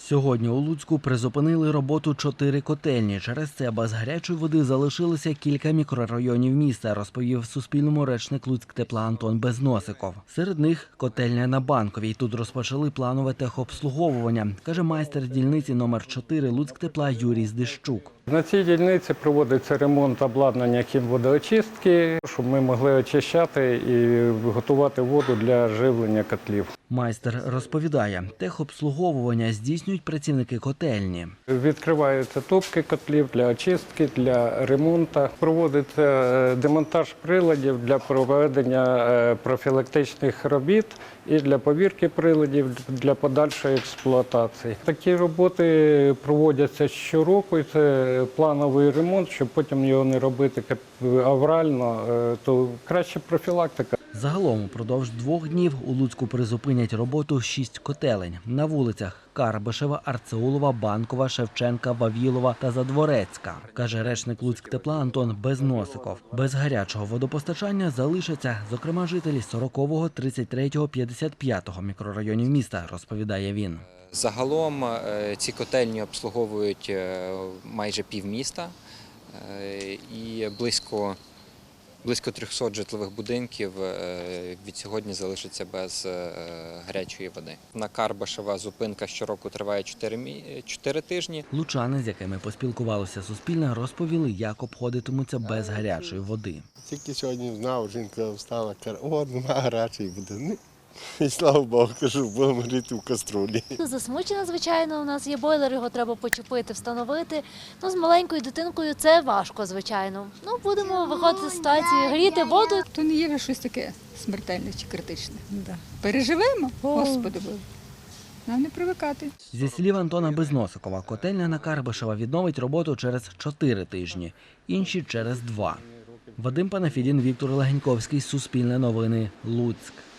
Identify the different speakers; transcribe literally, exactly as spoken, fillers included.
Speaker 1: Сьогодні у Луцьку призупинили роботу чотири котельні. Через це без гарячої води залишилося кілька мікрорайонів міста, розповів Суспільному речник Луцьктепла Антон Безносиков. Серед них котельня на Банковій. Тут розпочали планове техобслуговування, каже майстер дільниці номер чотири Луцьктепла Юрій Здищук.
Speaker 2: На цій дільниці проводиться ремонт обладнання хімводоочистки, щоб ми могли очищати і готувати воду для живлення котлів.
Speaker 1: Майстер розповідає, техобслуговування здійснюють працівники котельні.
Speaker 2: Відкриваються топки котлів для очистки, для ремонту. Проводиться демонтаж приладів для проведення профілактичних робіт і для повірки приладів для подальшої експлуатації. Такі роботи проводяться щороку, і це плановий ремонт, щоб потім його не робити аврально, то краще профілактика.
Speaker 1: Загалом упродовж двох днів у Луцьку призупинять роботу шість котелень. На вулицях Карбишева, Арцеулова, Банкова, Шевченка, Вавілова та Задворецька, каже речник Луцьктепла Антон Безносиков. Без гарячого водопостачання залишаться, зокрема, жителі сорокового, тридцять третього, п'ятдесят п'ятого мікрорайонів міста, розповідає він.
Speaker 3: Загалом ці котельні обслуговують майже півміста і близько Близько трьохсот житлових будинків від сьогодні залишаться без гарячої води. На Карбишева зупинка щороку триває чотири тижні.
Speaker 1: Лучани, з якими поспілкувалося Суспільне, розповіли, як обходитимуться без гарячої води.
Speaker 4: Тільки сьогодні знав, жінка встала, каже, о, нема гарячої води. І слава Богу, кажу, будемо гріти в каструлі.
Speaker 5: Засмучена, звичайно, у нас є бойлер, його треба почепити, встановити. Ну, з маленькою дитинкою це важко, звичайно. Ну, будемо виходити з ситуації, гріти воду.
Speaker 6: То не є щось таке смертельне чи критичне. Да. Переживемо, Господи Боже. Нам не привикати.
Speaker 1: Зі слів Антона Безносикова, котельня на Карбишева відновить роботу через чотири тижні, інші через два. Вадим Панафідін, Віктор Легеньковський, Суспільне новини, Луцьк.